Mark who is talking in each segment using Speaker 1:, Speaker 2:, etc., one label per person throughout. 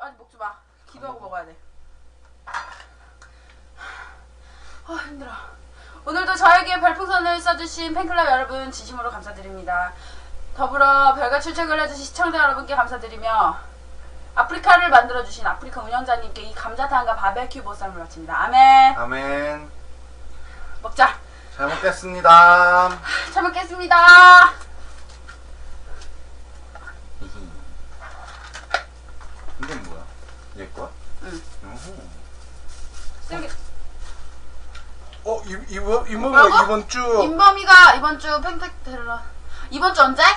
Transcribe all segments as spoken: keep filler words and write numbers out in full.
Speaker 1: 아직 먹지 마. 기도하고 먹어야 돼. 아 힘들어. 오늘도 저에게 별풍선을 써주신 팬클럽 여러분 진심으로 감사드립니다. 더불어 별과 출첵을 해주신 시청자 여러분께 감사드리며 아프리카를 만들어주신 아프리카 운영자님께 이 감자탕과 바베큐 보쌈을 바칩니다. 아멘.
Speaker 2: 아멘.
Speaker 1: 먹자.
Speaker 2: 잘 먹겠습니다.
Speaker 1: 잘 먹겠습니다.
Speaker 2: 이건 뭐야? 얘 거야?
Speaker 1: 응.
Speaker 2: 어허.
Speaker 1: 쓰레기.
Speaker 3: 어, 이, 이번, 이번,
Speaker 1: 뭐라고?
Speaker 3: 이번 주.
Speaker 1: 인범이가 이번 주 팽택 데려라. 이번 주 언제?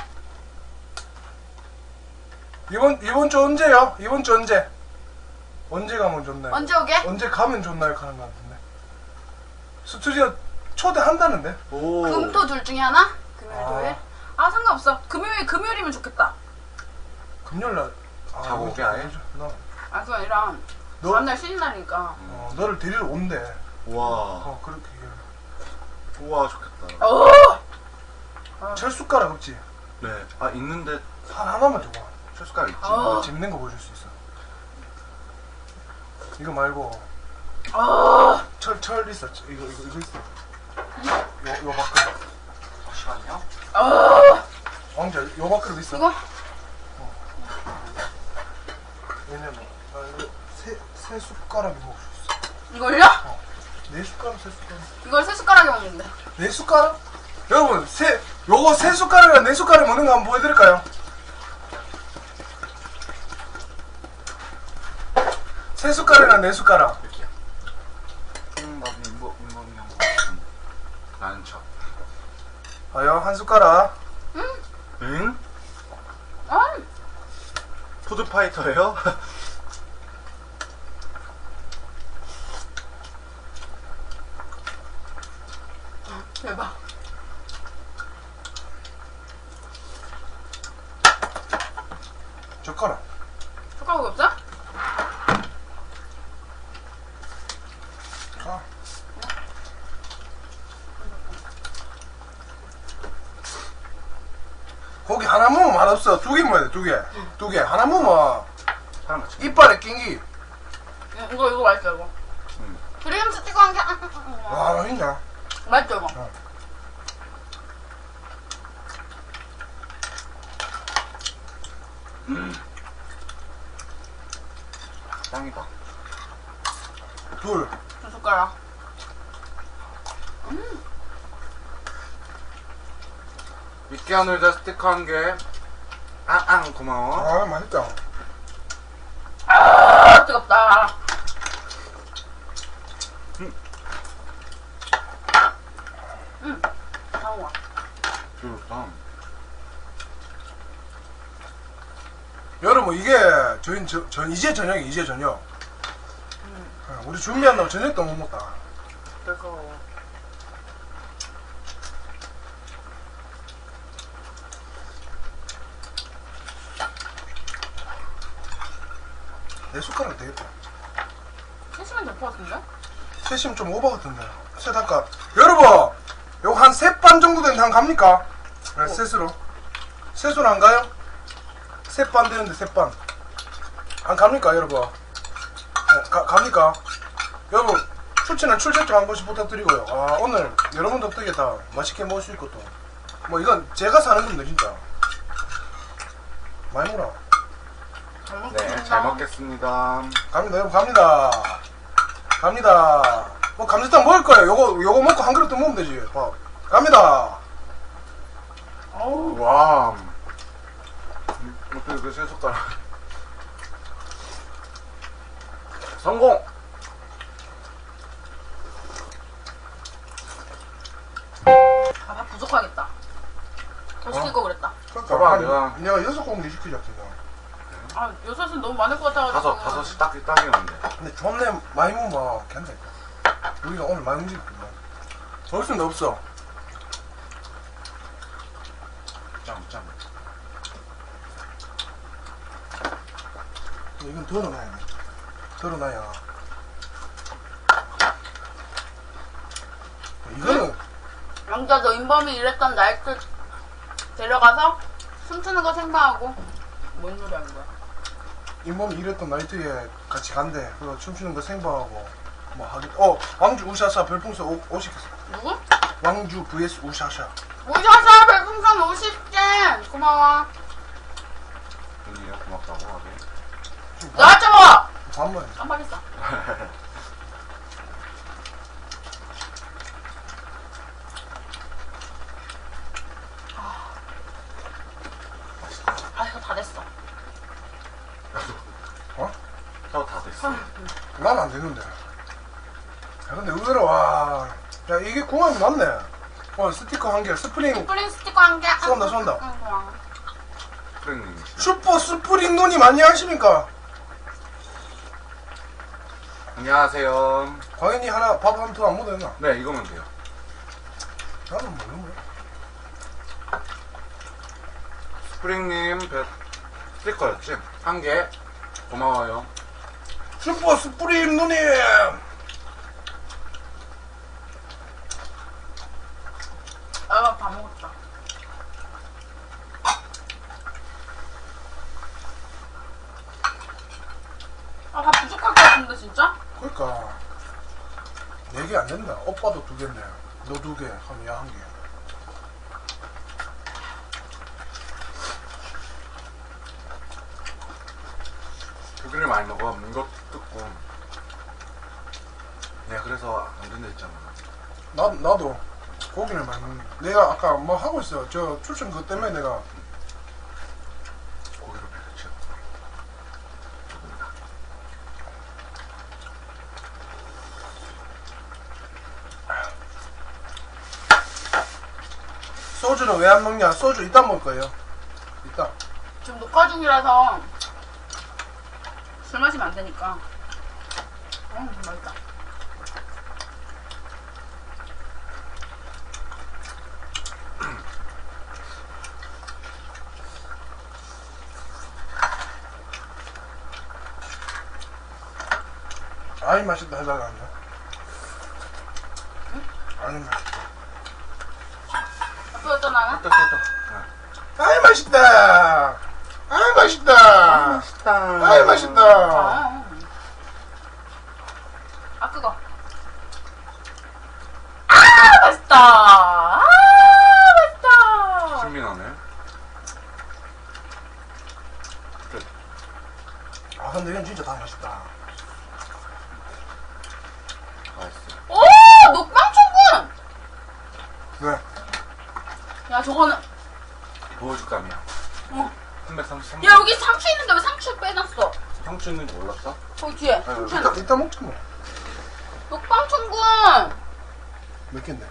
Speaker 3: 이번, 이번 주 언제요? 이번 주 언제? 언제 가면 좋나요?
Speaker 1: 언제 오게?
Speaker 3: 언제 가면 좋나요? 가는 거 같은데. 스튜디오 초대한다는데?
Speaker 2: 오.
Speaker 1: 금토 둘 중에 하나? 금요일
Speaker 3: 아.
Speaker 1: 토요일? 아 상관없어. 금요일 금요일이면 좋겠다.
Speaker 3: 금요일 날. 아,
Speaker 2: 자고 오게 아예?
Speaker 3: 나,
Speaker 1: 아 그게 아니라
Speaker 3: 너-
Speaker 1: 다음날 쉬는 날이니까.
Speaker 3: 어, 너를 데리러 온대.
Speaker 2: 우와.
Speaker 3: 어, 그렇게 얘기해.
Speaker 2: 우와, 좋겠다.
Speaker 1: 오!
Speaker 3: 철숟가락 없지?
Speaker 2: 네. 아, 있는데
Speaker 3: 한 하나만 줘봐.
Speaker 2: 철숟가락 있지.
Speaker 1: 어.
Speaker 3: 어, 재밌는 거 보여줄 수 있어. 이거 말고.
Speaker 1: 어!
Speaker 3: 철, 철 있어. 철, 이거, 이거, 이거 있어. 요, 요 밥그릇.
Speaker 2: 잠시만요.
Speaker 1: 어!
Speaker 3: 왕자, 요 밥그릇 있어.
Speaker 1: 이거?
Speaker 3: 왜냐면, 나 이거 세, 세 숟가락이 먹을 수 있어.
Speaker 1: 이걸요?
Speaker 3: 네 숟가락, 세 숟가락.
Speaker 1: 이걸 세 숟가락에 먹는데.
Speaker 3: 네 숟가락? 여러분, 세, 요거 세 숟가락이랑 네 숟가락 먹는 거 한번 보여드릴까요? 세 숟가락이랑 네 숟가락.
Speaker 2: 이렇게요. 음, 나도 인범, 인범이 형. 나는 척.
Speaker 3: 봐요, 한 숟가락.
Speaker 2: 응?
Speaker 1: 음!
Speaker 2: 푸드파이터예요?
Speaker 1: 대박.
Speaker 3: 젓가락.
Speaker 1: 숟가락이 없어?
Speaker 3: 아. 고기 하나 먹으면 맛없어. 두 개 먹어야 돼, 두 개. 두 개. 하나 먹으면
Speaker 2: 사람 같이.
Speaker 3: 이빨에 낀기.
Speaker 1: 응, 이거 이거 맛있어 이거.
Speaker 2: 응.
Speaker 1: 브리움스 찍어 한 게.
Speaker 3: 와, 맛있냐?
Speaker 1: 맛있죠 이거.
Speaker 3: 어.
Speaker 2: 짱이다.
Speaker 3: 둘.
Speaker 1: 두 숟가락.
Speaker 2: 믿게 하늘자 스티커 한 개. 앙앙 고마워.
Speaker 3: 아, 맛있다.
Speaker 1: 아 뜨겁다. 음. 다우와.
Speaker 2: 좋다.
Speaker 3: 여러분, 이게, 저희, 저, 전, 이제 저녁이, 이제 저녁. 어, 우리 준비한다고 저녁도 못 먹다.
Speaker 1: 뜨거워.
Speaker 3: 내 숟가락 되겠다.
Speaker 1: 세시면 될 것 같은데?
Speaker 3: 셋이면 좀 오버 같은데. 셋 할까? 여러분! 요거 한 세 반 정도 되는데 한 갑니까? 네, 셋으로. 셋으로 안 가요? 세 반 되는데 세 반. 안 갑니까, 여러분? 네, 가, 갑니까? 여러분, 출첵은 출첵 좀 한 번씩 부탁드리고요. 아, 오늘 여러분 덕분에 다 맛있게 먹을 수 있고 또. 뭐 이건 제가 사는 건데, 진짜. 많이 먹어라.
Speaker 1: 잘 먹겠습니다.
Speaker 2: 네, 잘 먹겠습니다.
Speaker 3: 갑니다, 여러분, 갑니다. 갑니다. 뭐, 감자탕 먹을 거예요. 요거, 요거 먹고 한 그릇 더 먹으면 되지. 밥. 갑니다.
Speaker 1: 어우.
Speaker 2: 와. 음, 어떻게 그 세 숟가락. 성공!
Speaker 1: 아, 밥 부족하겠다. 더 시킬 거 그랬다.
Speaker 3: 그러니까
Speaker 2: 봐봐,
Speaker 3: 한-
Speaker 2: 내가-
Speaker 3: 내가 여섯 공기 시키자, 그냥.
Speaker 1: 아, 여섯은 너무 많을 것 같아가지고.
Speaker 2: 다섯, 다섯이 딱, 딱이었는데.
Speaker 3: 근데 존내 많이 먹으면 괜찮다. 우리가 오늘 많이 움직였구만. 없으면 없어.
Speaker 2: 짱, 짱.
Speaker 3: 이건 덜어놔야 돼. 덜어놔야. 이거는
Speaker 1: 영자 너 인범이 일했던 나이트 데려가서 춤추는 거 생방하고 뭔 소리 하는 거야?
Speaker 3: 인범이 일했던 나이트에 같이 간대. 그거 춤추는 거 생방하고 뭐 하기. 어 왕주 우샤샤 별풍선 오, 오십 개.
Speaker 1: 누구?
Speaker 3: 왕주 vs 우샤샤.
Speaker 1: 오셔서 별풍선 오십 개 고마워.
Speaker 2: 언니가 고맙다고 하게.
Speaker 1: 너가 좀 먹어.
Speaker 3: 반만.
Speaker 1: 깜빡했어. 아 이거 다 됐어.
Speaker 3: 어?
Speaker 2: 저 다 됐어.
Speaker 3: 난 안 되는데. 야, 근데 의외로 와. 야 이게 궁합이 맞네. 어 스티커 한 개, 스프링
Speaker 1: 스프링 스티커 한 개.
Speaker 3: 쏜다, 쏜다.
Speaker 1: 응, 고마워.
Speaker 2: 프랭님.
Speaker 3: 슈퍼 스프링 눈이 많이 하십니까?
Speaker 2: 안녕하세요.
Speaker 3: 과연이 하나 밥 한 통 안 묻었나?
Speaker 2: 네, 이거면 돼요.
Speaker 3: 나는 모르는 거야.
Speaker 2: 스프링님 배 스티커였지? 한 개. 고마워요.
Speaker 3: 슈퍼 스프링 눈이.
Speaker 1: 아, 밥 먹었다. 아, 밥 부족할 것 같은데, 진짜?
Speaker 3: 그러니까 네 개 안 된다. 오빠도 두 개네. 너 두 개, 하면 야 한 개.
Speaker 2: 고기를 많이 먹어. 이거 뜯고. 내가 그래서 안 된다 했잖아.
Speaker 3: 나 나도 고기를 많이 먹는. 내가 아까 뭐 하고 있어. 저 출신 그것 때문에 내가
Speaker 2: 고기로 배를 채워. 조금이다.
Speaker 3: 소주는 왜 안 먹냐? 소주 이따 먹을 거예요. 이따.
Speaker 1: 지금 녹화 중이라서 술 마시면 안 되니까. 음, 맛있다.
Speaker 3: 아이 맛있다 해달라 한다. 아이 맛있다.
Speaker 1: 아프였잖아.
Speaker 2: 됐다, 됐다.
Speaker 3: 아이 맛있다. 아이 맛있다.
Speaker 2: 맛있다.
Speaker 3: 아이 맛있다.
Speaker 1: 아, 아 그거. 아 맛있다. 아 맛있다.
Speaker 2: 신민하네. 끝.
Speaker 3: 아 근데 이건 진짜 다 맛있다.
Speaker 2: 맛있어.
Speaker 1: 오 녹방충군.
Speaker 3: 왜?
Speaker 1: 야 저거는.
Speaker 2: 보여줄감이야.
Speaker 1: 어.
Speaker 2: 삼백삼십삼.
Speaker 1: 야 여기 상추 있는데 왜 상추 빼놨어?
Speaker 2: 상추 있는 거 몰랐어?
Speaker 1: 거기 뒤에.
Speaker 2: 아유,
Speaker 1: 상추
Speaker 3: 이따,
Speaker 1: 있는.
Speaker 3: 이따 먹자 뭐.
Speaker 1: 녹방충군.
Speaker 3: 몇 갠데?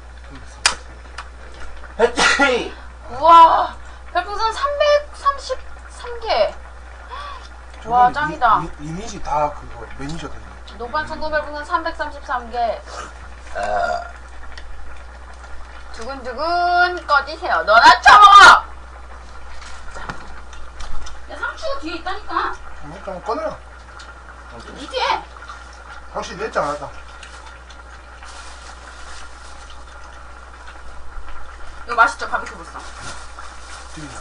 Speaker 2: 해치!
Speaker 1: 우와 별풍선 삼백삼십삼 개. 와
Speaker 3: 저분이
Speaker 1: 짱이다.
Speaker 3: 이, 이, 이미지 다 그거 매니저 됐네.
Speaker 1: 녹방충군 별풍선 삼백삼십삼 개. 두근두근 꺼지세요. 너나 쳐먹어! 야, 상추가 뒤에 있다니까.
Speaker 3: 먹자 뭐 꺼내라.
Speaker 1: 이 뒤에.
Speaker 3: 확실히 냈지 않았다.
Speaker 1: 이거 맛있죠? 바비큐 보쌈.
Speaker 3: 튀기냐.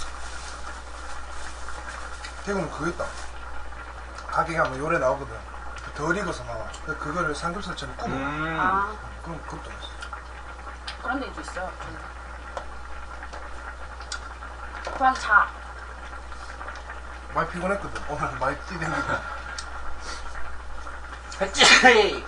Speaker 3: 대구는 그거 있다. 가게 가면 요래 나오거든. 덜 익어서 나와. 근데 그거를 삼겹살처럼 구워.
Speaker 2: 음.
Speaker 1: 아,
Speaker 3: 그럼 그것도 있어.
Speaker 1: 그런 데도 있어요. 그냥 자.
Speaker 3: 많이 피곤했거든. 오늘 많이 뛰댕기고.
Speaker 2: 해치!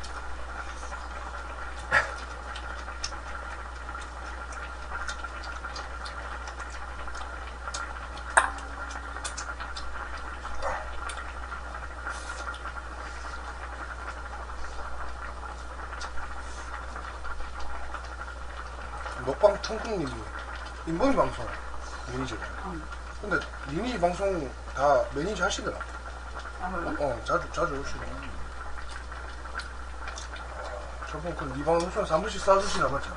Speaker 3: 먹방 통콩님이 인범이 방송 매니저가.
Speaker 1: 응.
Speaker 3: 근데 니니 방송 다 매니저 하시더라.
Speaker 1: 아, 몰라?
Speaker 3: 어 자주 자주 오시네. 저번 그니 방송에서 한 번씩 싸주시나 봤잖아.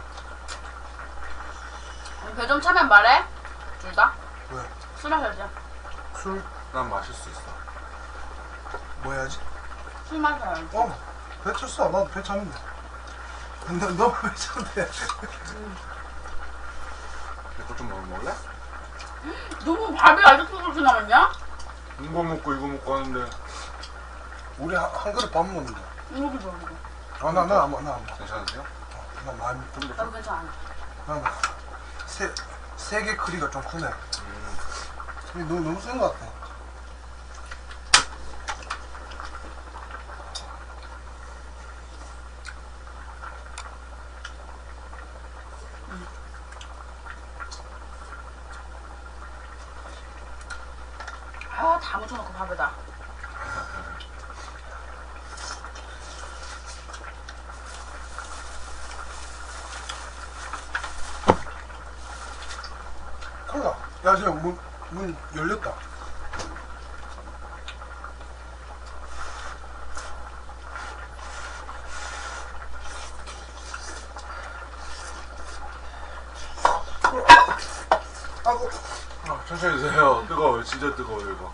Speaker 1: 배좀 차면 말해. 둘 다.
Speaker 3: 왜?
Speaker 1: 술 마셔야지.
Speaker 3: 술
Speaker 2: 난 마실 수 있어.
Speaker 3: 뭐 해야지?
Speaker 1: 술 마셔야지.
Speaker 3: 어, 배 쳤어. 나도 배 찼는데. 근데 너무 배 찼는데.
Speaker 2: 이거 좀 먹을래?
Speaker 1: 너무 밥이 아직도 그렇게 남았냐?
Speaker 2: 이거 먹고 이거 먹고 하는데
Speaker 3: 우리 한, 한 그릇 밥 먹는다.
Speaker 1: 이거 좋아 이거.
Speaker 3: 아, 나, 나, 안 먹, 나안 먹어.
Speaker 2: 괜찮으세요?
Speaker 3: 나 많이, 좀 더.
Speaker 1: 나도 괜찮아.
Speaker 3: 나, 나. 세, 세 개 크기가 좀 크네.
Speaker 2: 음.
Speaker 3: 이게 너무, 너무 센 것 같아.
Speaker 1: 아, 다 묻혀놓고 밥에다.
Speaker 3: 콜라. 야, 지금 문, 문 열렸다. 아고.
Speaker 2: 아, 천천히 드세요. 뜨거워요. 진짜 뜨거워요 이거.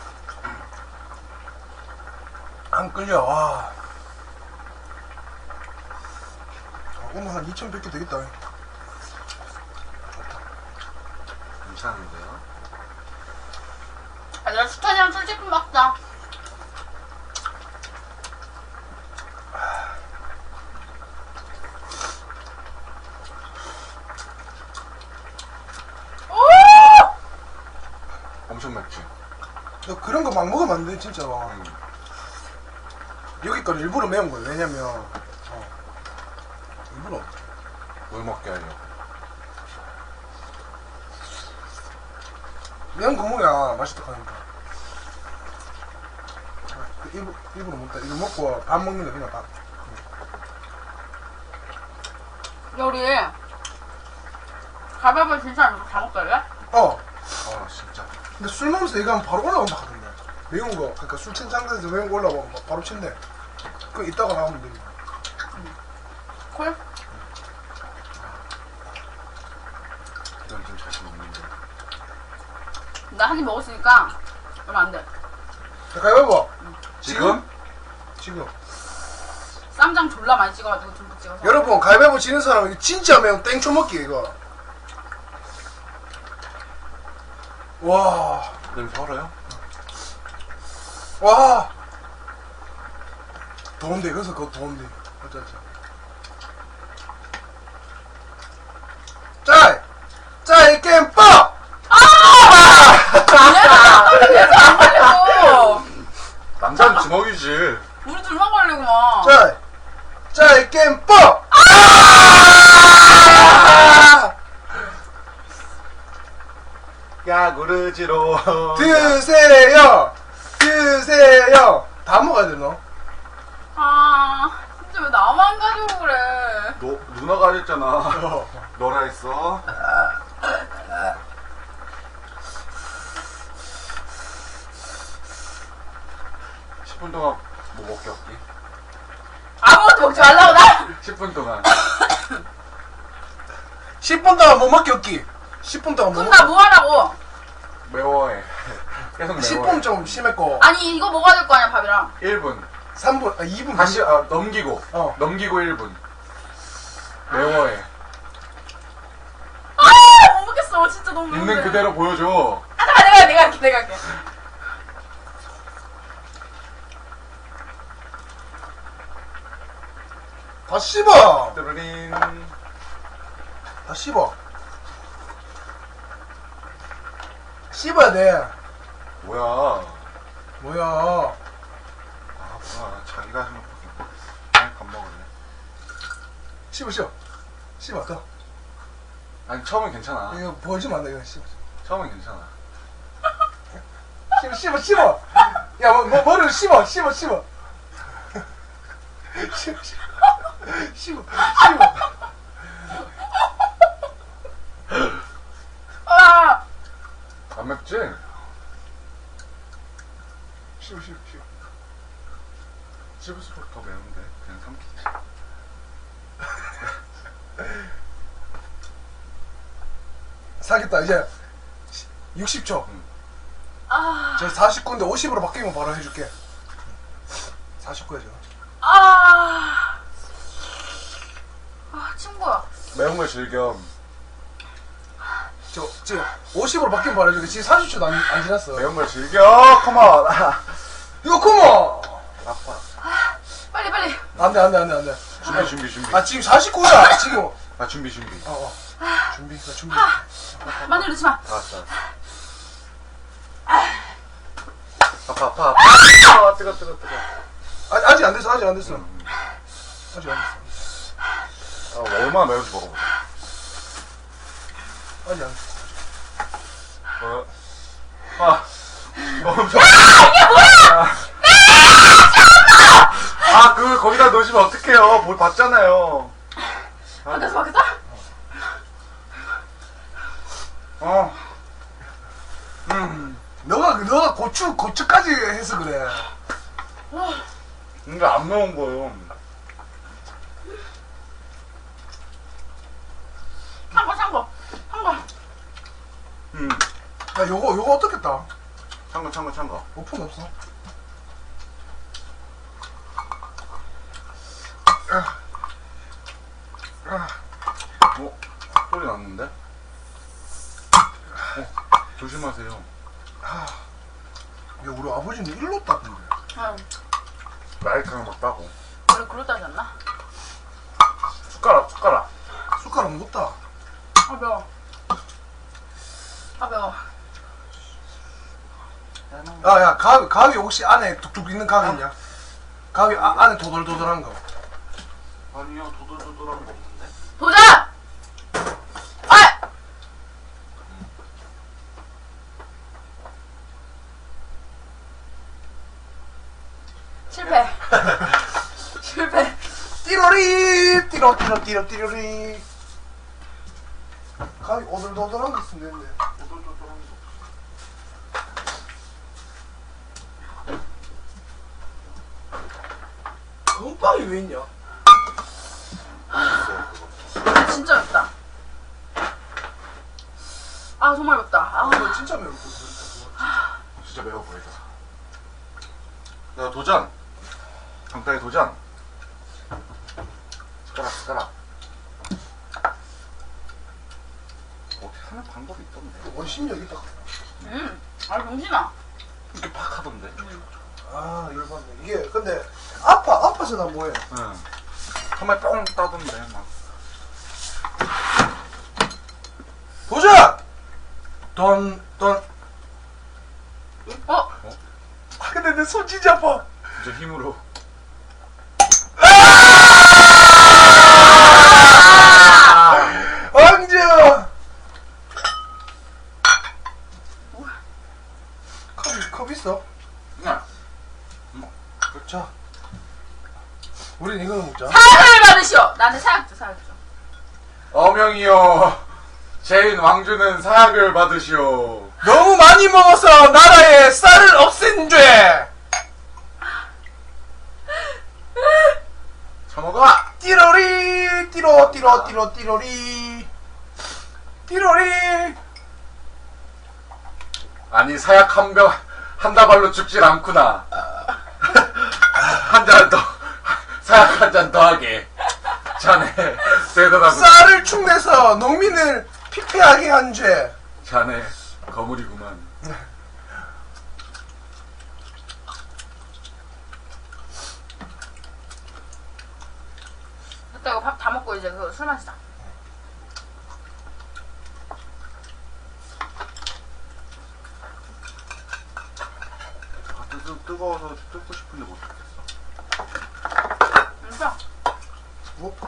Speaker 3: 안 끌려, 와. 아, 오늘 한 이천백 개 되겠다.
Speaker 2: 괜찮은데요?
Speaker 1: 아, 내가 수탄이랑 술제품 먹자. 오!
Speaker 2: 엄청 맵지?
Speaker 3: 너 그런 거 막 먹으면 안 돼, 진짜.
Speaker 2: 음.
Speaker 3: 여기 건 일부러 매운 거야. 왜냐면, 어. 일부러.
Speaker 2: 뭘 먹게 하려고.
Speaker 3: 매운 거 먹어야 맛있다 하니까. 일부, 일부러 먹다. 이거 먹고 밥 먹는 거 그냥 밥.
Speaker 1: 우리 가위바위보 진짜 안 먹고 다 먹을래?
Speaker 3: 어.
Speaker 2: 아 진짜.
Speaker 3: 근데 술 먹으면서 이거 하면 바로 올라온다 하던데. 매운 거. 그러니까 술 친 상태에서 매운 거 올라오면 바로 친대. 그거 이따가 나오면 됩니다.
Speaker 1: 콜?
Speaker 2: 이건 좀 자신 없는데.
Speaker 1: 나 한 입 먹었으니까 얼마 안 돼.
Speaker 3: 자, 가위바위보.
Speaker 2: 지금?
Speaker 3: 지금.
Speaker 1: 쌈장 졸라 많이 찍어가지고 듬뿍 찍어서.
Speaker 3: 여러분, 가위바위보 지는 사람은 이거 진짜 매운 땡초 먹기, 이거. 와.
Speaker 2: 냄새 알아요?
Speaker 3: 와. 더운데, 여기서 그거 더운데. 어쩌지. 짤! 짤, 이 게임 뻑!
Speaker 1: 계속 안 걸리고.
Speaker 2: 남자는 주먹이지.
Speaker 1: 우리 둘만 걸리고 막.
Speaker 3: 짤! 짤, 이 게임 뻑!
Speaker 2: 야구르지로.
Speaker 3: 드세요! 드세요! 다 먹어야 돼, 너.
Speaker 1: 아, 진짜 왜 나만 가지고 그래.
Speaker 2: 너 누나가 했잖아.
Speaker 3: 어.
Speaker 2: 너라 했어. 십 분 동안 뭐 먹게 없기?
Speaker 1: 아무것도 먹지 말라고 나.
Speaker 2: 십 분 동안.
Speaker 3: 십 분 동안 못 먹기 없기. 십 분 동안 못
Speaker 1: 그럼
Speaker 3: 먹기.
Speaker 1: 나 뭐 하라고?
Speaker 2: 매워해. 계속 매워해.
Speaker 3: 십 분 좀 심했고.
Speaker 1: 아니 이거 먹어야 될 거 아니야 밥이랑.
Speaker 2: 일 분.
Speaker 3: 삼 분, 아, 이 분.
Speaker 2: 다시 아, 넘기고.
Speaker 3: 어.
Speaker 2: 넘기고 일 분. 매워해.
Speaker 1: 아, 못 먹겠어. 진짜 너무 매운데.
Speaker 2: 있는 그대로 보여줘.
Speaker 1: 아, 잠깐 내가 내가 할게 내가 할게.
Speaker 3: 다 씹어!
Speaker 2: 뚜루린.
Speaker 3: 다 씹어. 씹어야 돼.
Speaker 2: 뭐야.
Speaker 3: 뭐야.
Speaker 2: 아, 뭐야. 자기가 하는 거. 그냥 밥 먹을래.
Speaker 3: 씹어, 씹어. 씹어, 더.
Speaker 2: 아니, 처음엔 괜찮아.
Speaker 3: 이거 보여주면 안 돼, 이거 씹어.
Speaker 2: 처음엔 괜찮아.
Speaker 3: 씹어, 씹어, 씹어. 야, 뭐, 뭐, 머리를 씹어, 씹어, 씹어. 씹어, 씹어. 씹어, 씹어.
Speaker 1: 아,
Speaker 2: 안 맵지?
Speaker 3: 씹어, 씹어, 씹어.
Speaker 2: 씹을수록 더 매운데. 그냥 삼키지.
Speaker 3: 사겠다, 이제. 육십 초.
Speaker 2: 응.
Speaker 1: 아,
Speaker 3: 저 사십구인데 오십으로 바뀌면 바로 해줄게. 사십구야, 저.
Speaker 1: 아, 아, 친구야.
Speaker 2: 매운 걸 즐겨.
Speaker 3: 저, 지금 오십으로 바뀐 바람에 지금 사십 초도 안, 안 지났어.
Speaker 2: 매운 걸 즐겨. 컴온.
Speaker 3: 이거 컴온!
Speaker 2: 아빠.
Speaker 1: 빨리 빨리.
Speaker 3: 안 돼, 안 돼, 안 돼, 안 돼.
Speaker 2: 준비 준비 준비.
Speaker 3: 아, 지금 사십구야, 지금.
Speaker 2: 아 준비 준비.
Speaker 3: 어, 어. 준비, 나 준비.
Speaker 1: 마늘 넣지 마.
Speaker 2: 알았어. 아파 아파 아파. 아 뜨거 뜨거 뜨거.
Speaker 3: 아, 아직 안 됐어, 아직 안 됐어.
Speaker 2: 음.
Speaker 3: 아직 안 됐어.
Speaker 2: 아 얼마나 매운지 먹어보자.
Speaker 3: 아직 안 됐어.
Speaker 2: 어. 아. 멈춰. 아, 그걸 거기다 넣으시면 어떡해요. 뭘 봤잖아요.
Speaker 1: 바뀌었어 바뀌었어?
Speaker 2: 어. 음.
Speaker 3: 너가, 너가 고추, 고추까지 해서 그래.
Speaker 2: 근데 안 매운 거예요.
Speaker 1: 한거 한거 한거.
Speaker 2: 음.
Speaker 3: 야, 요거, 요거 어떻겠다.
Speaker 2: 참거, 참거, 참거.
Speaker 3: 오픈 없어.
Speaker 2: 어? 소리 났는데? 어, 조심하세요.
Speaker 3: 야, 우리 아버지는 일로 땄던데.
Speaker 1: 응.
Speaker 2: 마이크랑 막 따고.
Speaker 1: 우리 그러다지 않나?
Speaker 2: 숟가락, 숟가락.
Speaker 3: 숟가락 못 따.
Speaker 1: 아 매워. 아 매워.
Speaker 3: 야, 야, 가위, 가위 혹시 안에 뚝뚝 있는 가위 있냐? 가위 아, 안에 도돌도돌한 거.
Speaker 2: 아니요, 도돌도돌한 거 없는데?
Speaker 1: 도전! 아! 실패. 실패.
Speaker 3: 띠로리, 띠로, 띠로, 띠로, 띠로리. 가위 오돌도돌한 거 있으면 되는데.
Speaker 2: 도돌도돌한 거.
Speaker 3: 금빵이 왜 있냐?
Speaker 1: 아, 진짜 맵다. 아 정말 맵다. 아.
Speaker 3: 이거 진짜 매울 거
Speaker 2: 진짜 매워 보이다. 야, 도전! 강타의 도전! 숟가락, 숟가락. 어떻게 하는 방법이 있던데?
Speaker 3: 원심력 있다.
Speaker 1: 음. 아 병신아.
Speaker 2: 이렇게 팍 하던데?
Speaker 3: 아, 열받네. 이게, 근데, 아파, 아파서 나 뭐해.
Speaker 2: 응. 정말 뻥 따던데, 막.
Speaker 3: 도전! 돈, 돈.
Speaker 1: 어?
Speaker 3: 아, 근데 내 손 진짜 아파.
Speaker 2: 이제 힘으로.
Speaker 3: 왕자! 컵, 컵 있어?
Speaker 2: 야,
Speaker 3: 자. 우린 이거는 먹자.
Speaker 1: 사약을 받으시오. 나는 사약 줘 사약 줘.
Speaker 2: 어명이여, 제인 왕주는 사약을 받으시오.
Speaker 3: 너무 많이 먹어서 나라에 쌀을 없앤 죄!
Speaker 2: 처먹어!
Speaker 3: 띠로리, 띠로, 띠로, 띠로, 띠로리. 띠로리.
Speaker 2: 아니, 사약 한 병, 한 다발로 죽질 않구나. 한 잔 더, 사약 한 잔 더하게. 자네, 대단하구나.
Speaker 3: 쌀을 축내서 농민을 피폐하게 한 죄.
Speaker 2: 자네, 거물이구만.
Speaker 1: 됐다 이거 밥 다 먹고 이제 그 술 마시자.
Speaker 2: 아, 뜨, 뜨거워서 뜯고 싶은데 못 뜯겠어.
Speaker 1: 진짜?
Speaker 3: 뭐?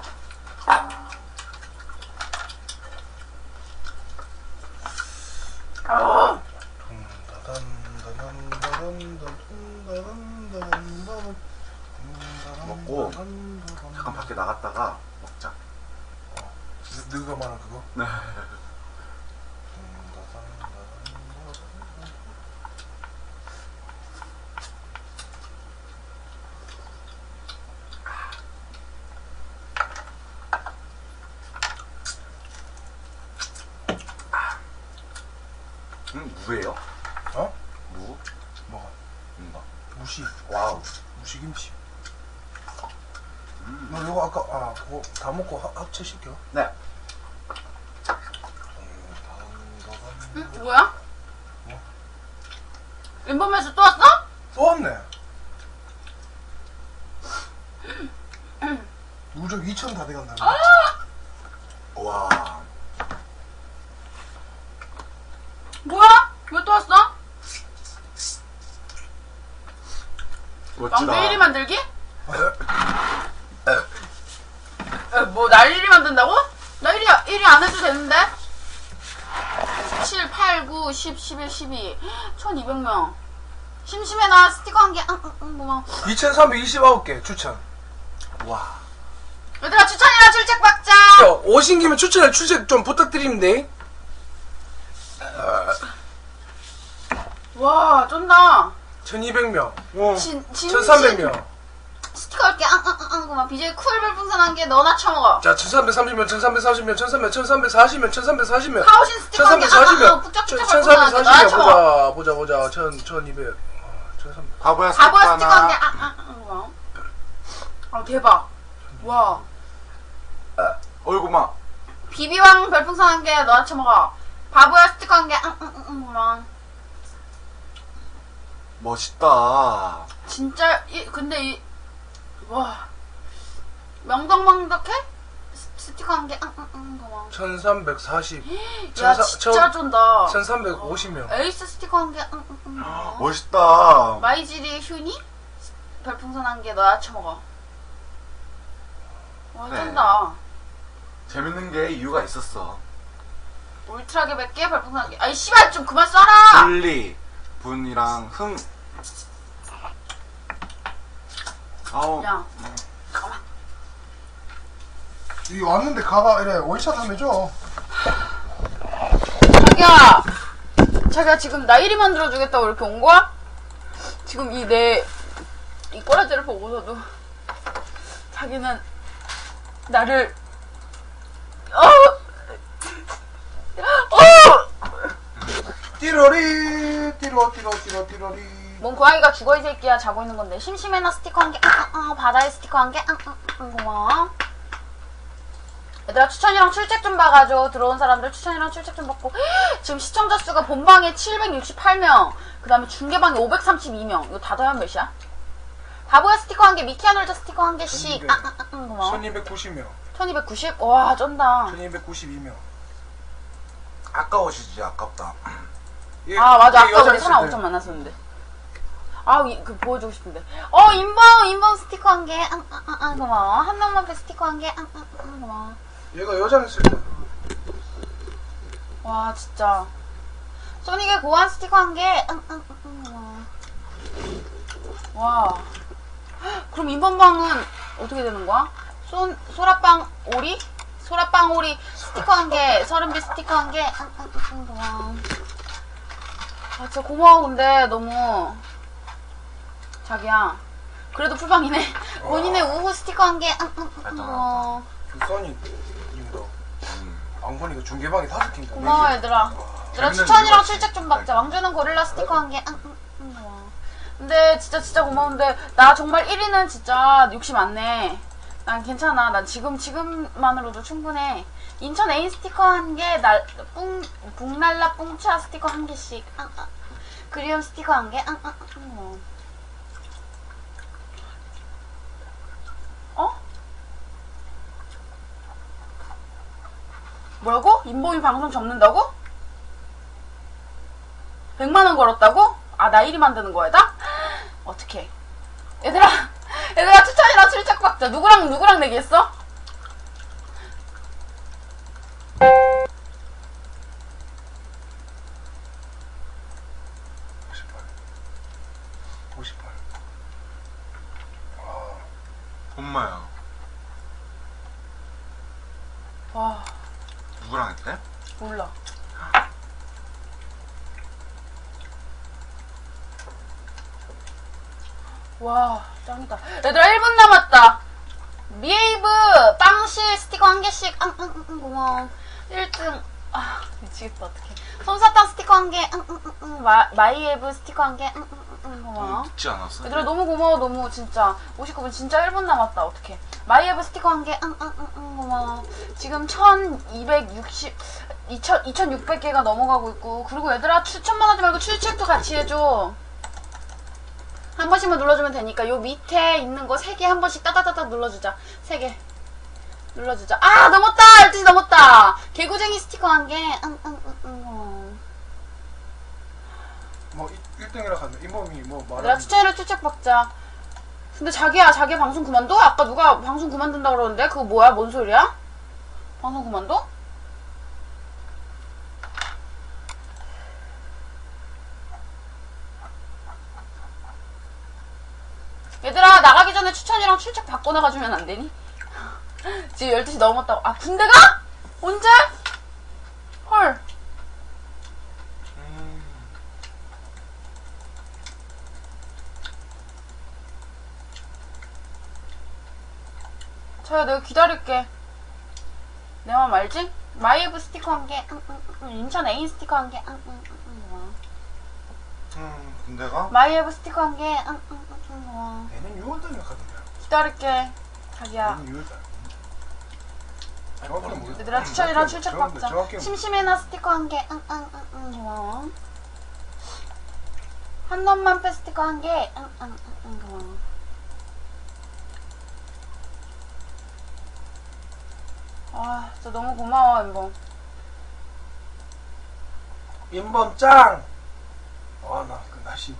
Speaker 1: 아.
Speaker 2: 먹고 잠깐 밖에 나갔다가 먹자.
Speaker 3: 너가 말한 그거?
Speaker 2: 네. 음, 무예요?
Speaker 3: 어?
Speaker 2: 무?
Speaker 3: 뭐가?
Speaker 2: 뭔가.
Speaker 3: 무시.
Speaker 2: 와우.
Speaker 3: 무시김치.
Speaker 2: 음.
Speaker 3: 너 이거 아까 아 그거 다 먹고 합, 합체시켜.
Speaker 2: 네.
Speaker 1: 응? 뭐야? 인범에서 또 왔어?
Speaker 3: 또 왔네. 누적 이천 다 돼간다.
Speaker 2: 와.
Speaker 1: 뭐야? 왜 또 왔어?
Speaker 2: 멋지다.
Speaker 1: 왕대 일 위 만들기? 에, 뭐, 날 일 위 만든다고? 나 일 위, 일 위 안 해도 되는데? 칠, 팔, 구, 십, 십일, 십이. 천이백 명. 심심해, 나 스티커 한 개. 응, 응, 응, 고마워.
Speaker 3: 이천삼백이십구 개 추천.
Speaker 2: 와.
Speaker 1: 얘들아, 추천이랑 출첵 박자!
Speaker 3: 야, 오신 김에 추천에 출첵 좀 부탁드립니다.
Speaker 1: 와, 쩐다.
Speaker 3: 천이백 명.
Speaker 1: 진, 진,
Speaker 3: 천삼백 명.
Speaker 1: 스티커 할게. 앙, 앙, 앙, 앙, 고마워. 비제이 쿨 별풍선 한 개 너나 쳐먹어.
Speaker 3: 자, 천삼백삼십 명, 천삼백삼십 명, 천삼백, 천삼백사십 명, 천삼백사십 명.
Speaker 1: 카오신 스티커 한 개. 앙,
Speaker 3: 천삼백사십
Speaker 1: 앙, 앙,
Speaker 3: 명.
Speaker 1: 북적북적
Speaker 3: 천삼백사십
Speaker 1: 별풍선 한 개 너나
Speaker 3: 명.
Speaker 1: 쳐먹어.
Speaker 3: 보자, 보자, 보자. 천, 천이백. 천삼백.
Speaker 2: 바보야
Speaker 1: 바보야 스티커 한 개.
Speaker 2: 스티커나.
Speaker 1: 아, 아, 아, 고마워. 아, 대박. 와.
Speaker 2: 어이구마.
Speaker 1: 비비왕 별풍선 한 개 너나 쳐먹어. 바보야 스티커 한 개. 응, 응, 응, 응, 고마워.
Speaker 2: 멋있다.
Speaker 1: 진짜, 이, 근데 이, 와. 명덕명덕해? 스- 스티커 한 개. 응, 응, 응, 고마워.
Speaker 3: 천삼백사십.
Speaker 1: 야,
Speaker 3: 천사-
Speaker 1: 진짜 쫀다.
Speaker 3: 천삼백오십 명.
Speaker 1: 에이스 스티커 한 개. 응, 응, 응, 고마워.
Speaker 2: 멋있다.
Speaker 1: 마이지리 휴니? 별풍선 한 개 너나 쳐먹어. 와,
Speaker 2: 네.
Speaker 1: 쩐다.
Speaker 2: 재밌는 게 이유가 있었어.
Speaker 1: 울트라게 백 개, 별풍선 한 개. 아이, 씨발, 좀 그만 써라!
Speaker 2: 분리 분이랑 흥. 아우.
Speaker 1: 야, 잠깐만.
Speaker 3: 이 왔는데 가가 이래 원샷 하면 줘.
Speaker 1: 자기야! 자기야, 지금 나 일 위 만들어주겠다고 이렇게 온 거야? 지금 이 내, 이 꼬라지를 보고서도 자기는 나를, 어! 어!
Speaker 3: 띠로리 띠로 띠로 띠로 띠로리.
Speaker 1: 뭔 고양이가 죽어 이 새끼야. 자고 있는 건데. 심심해나 스티커 한 개. 아, 아, 아, 바다에 스티커 한 개. 아, 아, 아, 고마워. 얘들아, 추천이랑 출첵 좀 봐가지고 들어온 사람들 추천이랑 출첵 좀 받고. 지금 시청자 수가 본방에 칠백육십팔 명, 그 다음에 중계방에 오백삼십이 명. 이거 다 더하면 몇이야? 바보야 스티커 한 개, 미키아놀자 스티커 한 개씩. 아, 아, 아, 아, 고마워.
Speaker 3: 천이백구십 명.
Speaker 1: 천이백구십? 와, 쩐다.
Speaker 3: 천이백구십이 명.
Speaker 2: 아까워지지 아깝다.
Speaker 3: 예,
Speaker 1: 아, 맞아.
Speaker 3: 예,
Speaker 1: 아까
Speaker 3: 여자
Speaker 1: 우리 사람
Speaker 3: 있을
Speaker 1: 엄청
Speaker 3: 때.
Speaker 1: 만났었는데. 아, 이, 그 보여주고 싶은데. 어, 인범, 인범 스티커 한 개. 아, 아, 아, 아, 고마워. 한남만패 스티커 한 개. 아, 아, 아, 고마워.
Speaker 3: 얘가 여자 있을 때.
Speaker 1: 와, 진짜. 소닉의 고안 스티커 한 개. 응, 응, 응, 고마워. 와. 그럼 인범방은 어떻게 되는 거야? 소, 소라빵 오리? 소라빵 오리 스티커 한 개. 서른비 스티커 한 개. 응, 응, 응, 고마워. 아, 진짜 고마워. 근데 너무. 자기야. 그래도 풀방이네. 본인의 우후 스티커 한 개. 응, 응, 응, 고마워.
Speaker 3: 그 써니 님도 안 보니까 중계방이 다섯 개인가.
Speaker 1: 고마워, 얘들아. 얘들아,
Speaker 2: 재밌는
Speaker 1: 추천이랑
Speaker 2: 이유가
Speaker 1: 출첵 좀
Speaker 2: 있으니까.
Speaker 1: 받자. 왕주는 고릴라 스티커 한 개. 응, 응, 응, 고마워. 근데 진짜 진짜 고마운데 나 정말 일 위는 진짜 욕심 많네. 난 괜찮아. 난 지금 지금만으로도 충분해. 인천 애인 스티커 한 개, 날 뿡 북날라 뿡차 스티커 한 개씩. 응, 응. 그리움 스티커 한 개. 응, 응, 응, 고마워. 어? 뭐라고? 인범이 방송 접는다고? 백만 원 걸었다고? 아, 나 일 위 만드는 거에다? 어떡해. 얘들아, 얘들아, 추천이랑 출첵 박자. 누구랑, 누구랑 내기했어?
Speaker 3: 오십팔. 오십팔. 와.
Speaker 2: 엄마야.
Speaker 1: 와,
Speaker 2: 누구랑 했대?
Speaker 1: 몰라. 와, 짱이다. 얘들아, 일 분 남았다. 미에이브 빵실 스티커 한 개씩. 응, 응, 응, 응, 고마워. 일 등. 아, 미치겠다, 어떡해. 솜사탕 스티커 한 개. 응, 응, 응, 응. 마, 마이에브 스티커 한 개. 응, 응, 응, 응, 고마워.
Speaker 2: 늦지 않았어?
Speaker 1: 얘들아, 너무 고마워. 너무 진짜. 오십구 분 진짜 일 분 남았다. 어떡해. 마이에브 스티커 한 개. 응, 응, 응, 응, 고마워. 지금 천이백육십, 이천, 이천육백 개가 넘어가고 있고. 그리고 얘들아, 추천만 하지 말고 추천도 같이 해줘. 한 번씩만 눌러주면 되니까. 요 밑에 있는 거 세 개 한 번씩 따다다닥 눌러주자. 세 개. 눌러주자. 아, 넘었다! 열두 시 넘었다! 개구쟁이 스티커 한 개. 응, 응, 응, 응.
Speaker 3: 뭐 일 등이라 하네. 이몸이 뭐
Speaker 1: 내가
Speaker 3: 말하는.
Speaker 1: 추천이라 추천 받자. 근데 자기야, 자기 방송 그만둬? 아까 누가 방송 그만둔다 그러는데? 그거 뭐야? 뭔 소리야? 방송 그만둬? 얘들아, 나가기 전에 추천이랑 출첵 바꿔 나가주면 안 되니? 지금 열두 시 넘었다고. 아, 군대 가? 언제? 헐.
Speaker 3: 음.
Speaker 1: 저야 내가 기다릴게. 내 맘 알지? 마이애브 스티커 한 개. 응, 응, 응. 인천 애인 스티커 한 개. 응, 응, 응, 응.
Speaker 3: 음, 군대가?
Speaker 1: 마이애브 스티커 한 개. 응, 응, 응, 응.
Speaker 3: 내년 유월 달에 가던데.
Speaker 1: 기다릴게. 자기야.
Speaker 3: 내년 유월 달. 정확히는 모르겠어.
Speaker 1: 얘들아, 추천이랑
Speaker 3: 정확히-
Speaker 1: 출첵
Speaker 3: 정확히-
Speaker 1: 받자.
Speaker 3: 정확히는
Speaker 1: 심심해나 스티커 한 개. 응, 응, 응, 응. 고마워. 한놈만 빼 스티커 한 개. 응, 응, 응, 응. 고마워. 아, 진짜 너무 고마워, 인범.
Speaker 3: 인범 짱! 와, 나 그 날씨.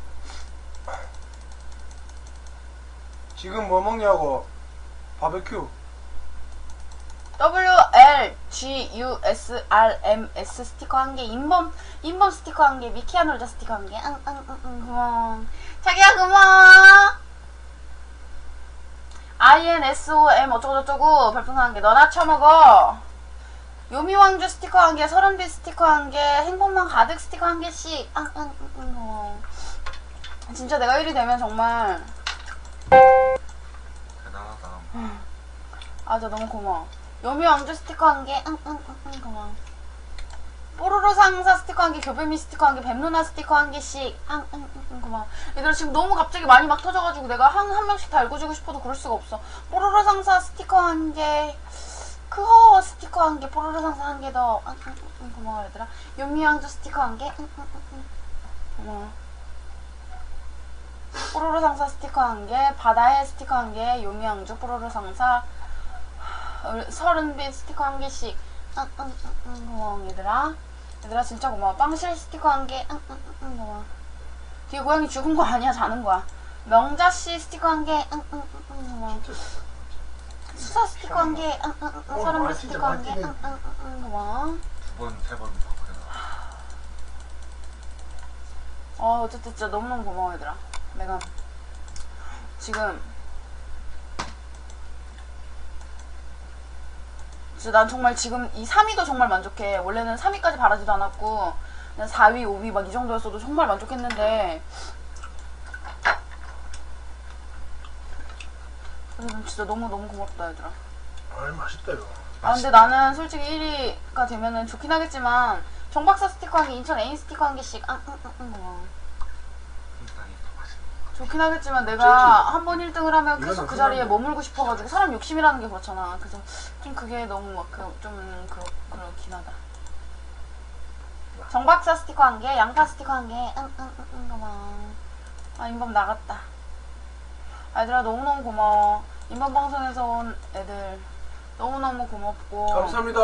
Speaker 3: 지금 뭐 먹냐고. 바베큐.
Speaker 1: 더블유 엘 지 유 에스 알 엠 에스 스티커 한 개. 인범, 인범 스티커 한 개. 미키아 놀자 스티커 한 개. 응, 응, 응, 응. 고마워. 자기야, 고마워. 아이 엔 에스 오 엠 어쩌고저쩌고 별풍선 한 개. 너나 쳐먹어. 요미왕주 스티커 한 개. 서른빛 스티커 한 개. 행복만 가득 스티커 한 개씩. 응, 응, 응, 응. 고마워. 진짜 내가 일이 되면 정말.
Speaker 2: 대단하다.
Speaker 1: 아, 진짜 너무 고마워. 요미왕주 스티커 한 개. 응, 응, 응, 응. 고마워. 뽀로로 상사 스티커 한 개, 교배미 스티커 한 개, 뱀누나 스티커 한 개씩. 응, 응, 응, 응, 고마워. 얘들아, 지금 너무 갑자기 많이 막 터져가지고 내가 한, 한 명씩 다 읽어주고 싶어도 그럴 수가 없어. 뽀로로 상사 스티커 한 개, 크허 스티커 한 개, 뽀로로 상사 한 개 더. 응, 응, 응, 응, 고마워, 얘들아. 요미왕주 스티커 한 개. 응, 응, 응, 응. 고마워. 뽀로로 상사 스티커 한 개, 바다의 스티커 한 개, 요미왕주 뽀로로 상사, 서른빛 스티커 한 개씩. 응, 응, 응, 응, 고마워, 얘들아. 얘들아, 진짜 고마워. 빵실 스티커 한 개. 응, 응, 응, 응, 고마워. 뒤에 고양이 죽은 거 아니야, 자는 거야. 명자씨 스티커 한 개. 응, 응, 응, 응, 고마워. 수사 스티커 한 개. 응, 응, 응, 서른빛 스티커 한 개. 응, 응, 응, 응, 고마워.
Speaker 2: 두 번, 세 번 바꾸나.
Speaker 1: 어, 어쨌든 진짜 너무너무 고마워, 얘들아. 내가 지금 진짜 난 정말 지금 이 삼 위도 정말 만족해. 원래는 삼 위까지 바라지도 않았고 그냥 사 위, 오 위 막 이 정도였어도 정말 만족했는데 그래서 진짜 너무너무 고맙다, 얘들아.
Speaker 3: 아이, 맛있다, 이거.
Speaker 1: 아, 근데 나는 솔직히 일 위가 되면은 좋긴 하겠지만 정박사 스티커 한 개, 인천 애인 스티커 한 개씩. 응, 응, 응, 응, 고마워.
Speaker 2: 굉장히 더 맛있는
Speaker 1: 좋긴 하겠지만 내가 한 번 일 등을 하면 계속
Speaker 3: 이거는
Speaker 1: 그 자리에
Speaker 3: 생각나.
Speaker 1: 머물고 싶어가지고 사람 욕심이라는 게 그렇잖아. 그래서 좀 그게 너무 막 그, 좀 그렇, 그렇긴 하다. 정박사 스티커 한 개, 양파 스티커 한 개. 응, 응, 응, 응, 고마워. 아, 인범 나갔다. 아, 얘들아, 너무너무 고마워. 인범 방송에서 온 애들 너무너무 고맙고
Speaker 3: 감사합니다.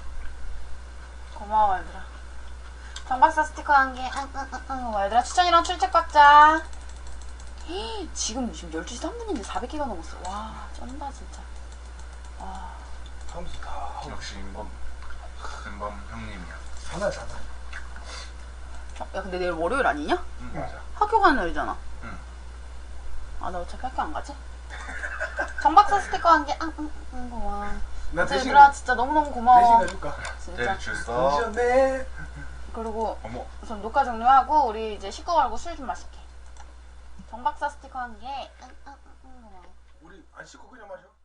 Speaker 1: 고마워, 얘들아. 정박사 스티커 한 개. 응, 응, 응, 응, 고마워. 얘들아, 추천이랑 출첵 받자. 헤이, 지금 지금 열두 시 삼 분인데 사백 개가 넘었어. 와, 쩐다 진짜. 와.
Speaker 3: 하면서 다 하고.
Speaker 2: 역시 인범, 인범 형님이야.
Speaker 3: 하나, 하나.
Speaker 1: 어, 야, 근데 내일 월요일 아니냐?
Speaker 2: 응, 맞아.
Speaker 1: 학교 가는 날이잖아.
Speaker 2: 응.
Speaker 1: 아, 나 어차피 학교 안 가지? 정박사 스티커 한 개. 응, 응, 응, 고마워.
Speaker 3: 나
Speaker 1: 진짜
Speaker 3: 대신,
Speaker 1: 얘들아, 진짜 너무너무
Speaker 3: 대신
Speaker 1: 고마워.
Speaker 3: 가줄까?
Speaker 1: 진짜.
Speaker 2: 내일 줄 써.
Speaker 3: 미션네.
Speaker 1: 그리고
Speaker 2: 어머.
Speaker 1: 우선 녹화 종료하고 우리 이제 식구 걸고 술 좀 마실게. 정박사 스티커 한 개. 응, 응, 응, 응, 고마워.
Speaker 3: 우리 안 씻고 그냥 마셔?